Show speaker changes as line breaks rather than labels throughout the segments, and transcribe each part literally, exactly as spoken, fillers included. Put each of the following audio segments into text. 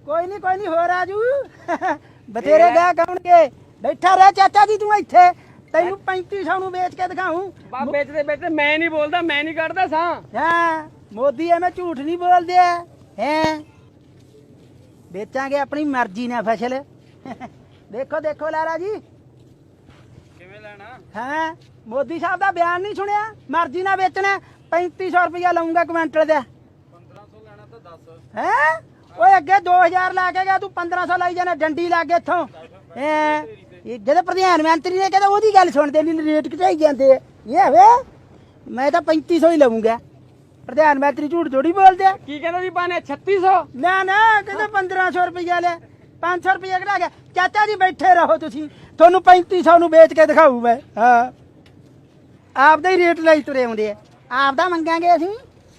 कोई नहीं कोई नहीं हो राजू बतेरे गया कौन के बैठा रह चाचा जी तू इत्थे तेनू पैंती सौ नू बेच के दिखाऊं
बाप बेचते बेचते मैं नहीं बोलता मैं नहीं करता सा
हाँ मोदी है मैं झूठ नहीं बोल दिया हैं बेचांगे अपनी मर्जी ने फसल देखो देखो लाला जी
किवें लेना
हाँ मोदी साहब का बयान नहीं सुनिया मर्जी ना बेचना पैंती सौ रुपया लाऊंगा क्विंटल का
पंद्रह सौ लेना तो दस
है ओए अगे दो हजार ला के गया तू पंद्रह सौ लाई जाना डंडी ला के इथों जब प्रधानमंत्री ने कहता ओदी गल सुनते नहीं रेट घटाई जाते ये वे मैं तो पैंती सौ ही लऊंगा प्रधानमंत्री झूठ थोड़ी बोलते
की कहता जी पाने छत्तीस सौ
ना ना कहते पंद्रह सौ रुपया ले पाँच सौ रुपया घटा गया चाचा जी बैठे रहो तुसी थोनू पैंती सौ नू बेच के दिखाऊ मैं हाँ आपदा ही रेट लाई तुरे आउंदे आपदा मंगांगे असीं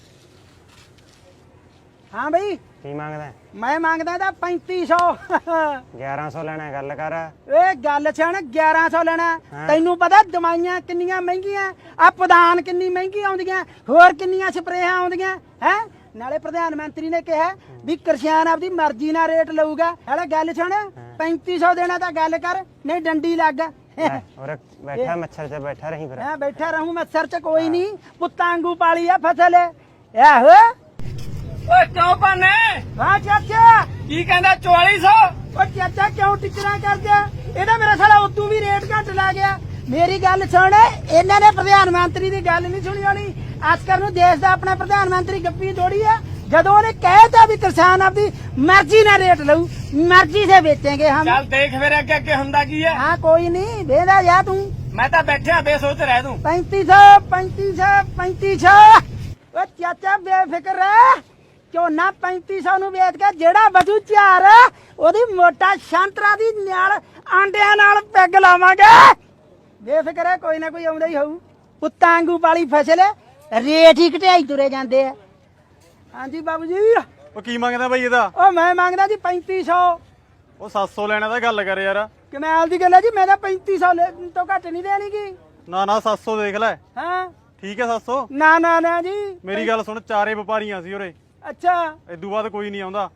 हाँ बई
की मांगदा
मैं मांगदा था पैंती सौ
ग्यारह सौ लेना गल कर
ए गल छण ग्यारह सौ लेना तैनू पता दवाइयां किन्नियां महंगियां आ पदान किन्नी महंगी आउंदियां होर किन्नियां स्प्रेयां आउंदियां है नाले प्रधानमंत्री ने कहा भी किसान आपदी मर्जी नाल रेट लऊगा हले गल छण पैंती सौ देना तां गल कर नहीं डंडी लग
और बैठा मच्छर च बैठा रही फिर
हां बैठा रहूं मच्छर च कोई नहीं पुत्तां वांगू पाली आ फसल आहो
ਓਏ ਕਿਉਂ ਪਾਨੇ
हां चाचा
ਕੀ ਕਹਿੰਦਾ चौवालीस सौ
ओ चाचा क्यों टिचरा कर दिया ਇਹਦਾ ਮੇਰਾ ਸਾਲਾ ਉਦੋਂ ਵੀ ਰੇਟ ਘੱਟ ਲਾ ਗਿਆ ਮੇਰੀ ਗੱਲ ਸੁਣ ਇਹਨਾਂ ਨੇ ਪ੍ਰਧਾਨ ਮੰਤਰੀ ਦੀ ਗੱਲ ਨਹੀਂ ਸੁਣੀ ਹੋਣੀ ਆਸਕਰ ਨੂੰ ਦੇਸ਼ ਦਾ ਆਪਣਾ ਪ੍ਰਧਾਨ ਮੰਤਰੀ ਗੱਪੀ ਥੋੜੀ ਆ ਜਦੋਂ ਉਹਨੇ ਕਹਿਤਾ ਵੀ ਕਿਸਾਨ ਆਪਦੀ ਮਰਜ਼ੀ ਨਾਲ ਰੇਟ ਲਊ ਮਰਜ਼ੀ ਸੇ ਵੇਚेंगे हम
ਚੱਲ ਦੇਖ ਫਿਰ ਅੱਗੇ ਅੱਗੇ ਹੁੰਦਾ ਕੀ ਹੈ
हाँ कोई नहीं देदा जा तू
ਮੈਂ ਤਾਂ ਬੈਠਿਆ ਬੇਸੋਚ ਰਹਿ ਦੂੰ
पैंती सौ पैंती सौ पैंती सौ ओ चाचा बेफिक्र रह ਝੋਨਾ पैंती सौ ਨੂੰ ਵੇਚ ਕੇ ਜਿਹੜਾ ਬਚੂ ਚਾਰ ਉਹਦੀ ਮੋਟਾ ਸ਼ੰਤਰਾ ਦੀ ਨਾਲ ਆਂਡਿਆਂ ਨਾਲ ਪੈਗ ਲਾਵਾਂਗੇ ਬੇਫਿਕਰ ਹੈ ਕੋਈ ਨਾ ਕੋਈ ਆਉਂਦਾ ਹੀ ਹੋਊ ਪੁੱਤਾਂ ਵਾਂਗੂ ਵਾਲੀ ਫਸਲ ਰੇਟ ਹੀ ਘਟਾਈ ਤੁਰੇ ਜਾਂਦੇ ਆ ਹਾਂਜੀ ਬਾਬੂ ਜੀ
ਉਹ ਕੀ ਮੰਗਦਾ ਬਾਈ ਇਹਦਾ
ਉਹ ਮੈਂ ਮੰਗਦਾ ਜੀ पैंती सौ
ਉਹ ਸੱਤ ਸੌ ਲੈਣਾ ਤਾਂ ਗੱਲ ਕਰ ਯਾਰ
ਕਮਾਲ ਦੀ ਗੱਲ ਹੈ ਜੀ ਮੈਂ ਤਾਂ पैंती सौ ਤੋਂ ਘੱਟ ਨਹੀਂ ਦੇਣੀਗੀ
ਨਾ ਨਾ ਸੱਤ ਸੌ ਦੇਖ ਲੈ
ਹਾਂ
ਠੀਕ ਹੈ ਸੱਤ ਸੌ
ਨਾ ਨਾ ਨਾ ਜੀ
ਮੇਰੀ ਗੱਲ ਸੁਣ ਚਾਰੇ ਵਪਾਰੀਆਂ ਸੀ ਉਰੇ
ਅੱਛਾ
ਇਦੋਂ ਬਾਅਦ ਕੋਈ ਨਹੀਂ ਆਉਂਦਾ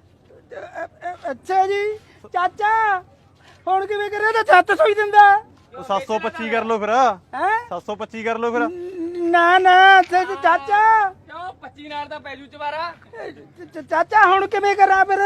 ਅੱਛਾ ਜੀ ਚਾਚਾ ਹੁਣ ਕਿਵੇਂ ਕਰਿਆ ਤਾਂ ਸੱਤ ਸੌ ਹੀ ਦਿੰਦਾ
ਉਹ ਸੱਤ ਸੌ ਪੱਚੀ ਕਰ ਲਓ ਫਿਰ
ਹੈ
ਸੱਤ ਸੌ ਪੱਚੀ ਕਰ ਲਓ ਫਿਰ
ਨਾ ਨਾ ਤੇ ਚਾਚਾ
ਕਿਉਂ ਪੱਚੀ ਨਾਲ ਦਾ ਪੈਜੂ ਚਵਾਰਾ
ਚ- ਚਾਚਾ ਹੁਣ ਕਿਵੇਂ ਕਰਾਂ ਫਿਰ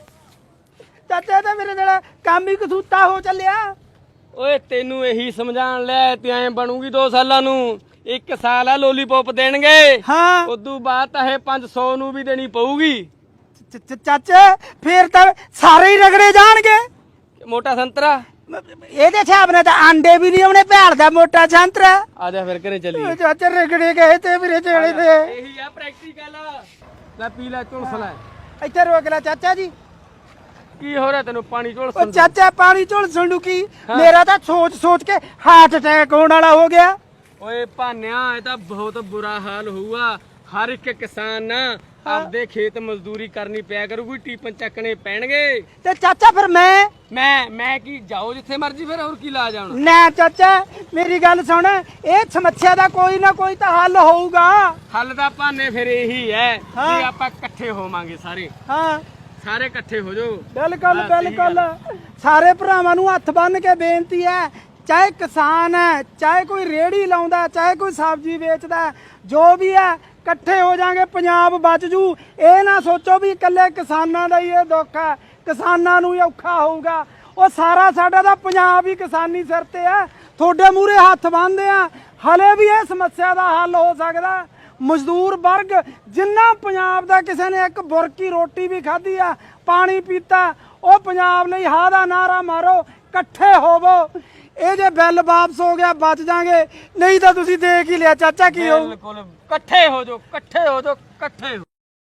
ਚਾਚਾ ਤਾਂ ਮੇਰੇ ਨਾਲ ਕੰਮ ਹੀ ਕਸੂਤਾ ਹੋ ਚੱਲਿਆ
ਓਏ ਤੈਨੂੰ ਇਹੀ ਸਮਝਾਣ ਲੈ ਤੇ ਐ ਬਣੂਗੀ ਦੋ ਸਾਲਾਂ ਨੂੰ ਇੱਕ ਸਾਲ ਆ ਲੋਲੀਪੌਪ ਦੇਣਗੇ
ਹਾਂ
ਉਦੋਂ ਬਾਅਦ ਤਾਂ ਇਹ ਪੰਜ ਸੌ ਨੂੰ ਵੀ ਦੇਣੀ ਪਊਗੀ
ਚ- ਚ- ਚਾਚਾ ਫੇਰ ਤਾਂ ਸਾਰੇ ਹੀ ਰਗੜੇ ਜਾਣਗੇ
ਮੋਟਾ ਸੰਤਰਾ
ਇਹਦੇ ਹਿਸਾਬ ਨਾਲ ਤਾਂ ਆਂਡੇ ਵੀ ਨਹੀਂ ਆਉਣੇ ਭੈਣ ਦਾ ਮੋਟਾ ਸੰਤਰਾ
ਆ ਜਾ ਫਿਰ ਘਰੇ ਚੱਲੀਏ
ਚਾਚਾ ਰਗੜੇ ਗਏ ਤੇ ਵੀਰੇ ਚੇਲੇ ਤੇ
ਇਹੀ ਆ ਪ੍ਰੈਕਟੀਕਲ ਲੈ ਪੀ ਲੈ ਝੁਲਸ ਲੈ
ਇੱਥੇ ਰੋਕ ਲੈ ਚਾਚਾ ਜੀ
ਕੀ ਹੋ ਰਿਹਾ ਤੈਨੂੰ ਪਾਣੀ ਝੁਲਸ
ਉਹ ਚਾਚਾ ਪਾਣੀ ਝੋਲ ਸੰਡੂ ਕੀ ਮੇਰਾ ਤਾਂ ਸੋਚ ਸੋਚ ਕੇ ਹਾਰਟ ਅਟੈਕ ਹੋਣ ਵਾਲਾ ਹੋ ਗਿਆ
ਓਏ ਭਾਨਿਆ ਇਹ ਤਾਂ ਬਹੁਤ ਬੁਰਾ ਹਾਲ ਹੋਊਗਾ ਹਰ ਇੱਕ ਕਿਸਾਨ ਨਾ ਆਪਦੇ ਖੇਤ ਮਜ਼ਦੂਰੀ ਕਰਨੀ ਪਿਆ ਕਰੂਗੀ ਟੀਪਨ ਚੱਕਣੇ ਪੈਣਗੇ
ਤੇ ਚਾਚਾ ਫਿਰ ਮੈਂ
ਮੈਂ ਮੈਂ ਕੀ ਜਾਓ ਜਿੱਥੇ ਮਰਜੀ ਫਿਰ ਹੋਰ ਕੀ ਲਾ ਜਾਣਾ
ਨਾ ਚਾਚਾ ਮੇਰੀ ਗੱਲ ਸੁਣ ਇਹ ਸਮੱਸਿਆ ਦਾ ਕੋਈ ਨਾ ਕੋਈ ਤਾਂ ਹੱਲ ਹੋਊਗਾ
ਹੱਲ ਦਾ ਭਾਨੇ ਫਿਰ ਇਹੀ ਹੈ
ਹਾਂ।
ਵੀ ਆਪਾਂ ਇਕੱਠੇ ਹੋਵਾਂਗੇ ਸਾਰੇ
ਹਾਂ
ਸਾਰੇ ਇਕੱਠੇ ਹੋ ਜਾਓ
ਬਿਲਕੁਲ
ਬਸ ਇਹੀ
ਬਿਲਕੁਲ
ਗੱਲ।
ਸਾਰੇ ਭਰਾਵਾਂ ਨੂੰ ਹੱਥ ਬੰਨ ਕੇ ਬੇਨਤੀ ਹੈ ਚਾਹੇ ਕਿਸਾਨ ਹੈ ਚਾਹੇ ਕੋਈ ਰੇੜੀ ਲਾਉਂਦਾ ਚਾਹੇ ਕੋਈ ਸਬਜ਼ੀ ਵੇਚਦਾ ਜੋ ਵੀ ਹੈ ਇਕੱਠੇ ਹੋ ਜਾਾਂਗੇ ਪੰਜਾਬ ਬਚ ਜੂ ਇਹ ਨਾ ਸੋਚੋ ਵੀ ਇਕੱਲੇ ਕਿਸਾਨਾਂ ਦਾ ਹੀ ਇਹ ਦੁੱਖ ਹੈ ਕਿਸਾਨਾਂ ਨੂੰ ਹੀ ਔਖਾ ਹੋਊਗਾ ਉਹ ਸਾਰਾ ਸਾਡਾ ਤਾਂ ਪੰਜਾਬ ਹੀ ਕਿਸਾਨੀ ਸਿਰ ਤੇ ਹੈ ਤੁਹਾਡੇ ਮੂਹਰੇ ਹੱਥ ਬੰਨ੍ਹਦੇ ਆ ਹਲੇ ਵੀ ਇਹ ਸਮੱਸਿਆ ਦਾ ਹੱਲ ਹੋ ਸਕਦਾ ਮਜ਼ਦੂਰ ਵਰਗ ਜਿੰਨਾ ਪੰਜਾਬ ਦਾ ਕਿਸੇ ਨੇ ਇੱਕ ਬੁਰਕੀ ਰੋਟੀ ਵੀ ਖਾਧੀ ਆ ਪਾਣੀ ਪੀਤਾ ਉਹ ਪੰਜਾਬ ਲਈ ਹਾਂ ਦਾ ਨਾਰਾ ਮਾਰੋ ਇਕੱਠੇ ਹੋਵੋ ਇਹ ਜੇ ਬਿੱਲ ਵਾਪਸ ਹੋ ਗਿਆ ਬਚ ਜਾਾਂਗੇ ਨਹੀਂ ਤਾਂ ਤੁਸੀਂ ਦੇਖ ਹੀ ਲਿਆ ਚਾਚਾ ਕੀ ਹੋਊ
ਬਿਲਕੁਲ ਇਕੱਠੇ ਹੋ ਜਾਓ ਇਕੱਠੇ ਹੋ ਜਾਓ ਇਕੱਠੇ ਹੋ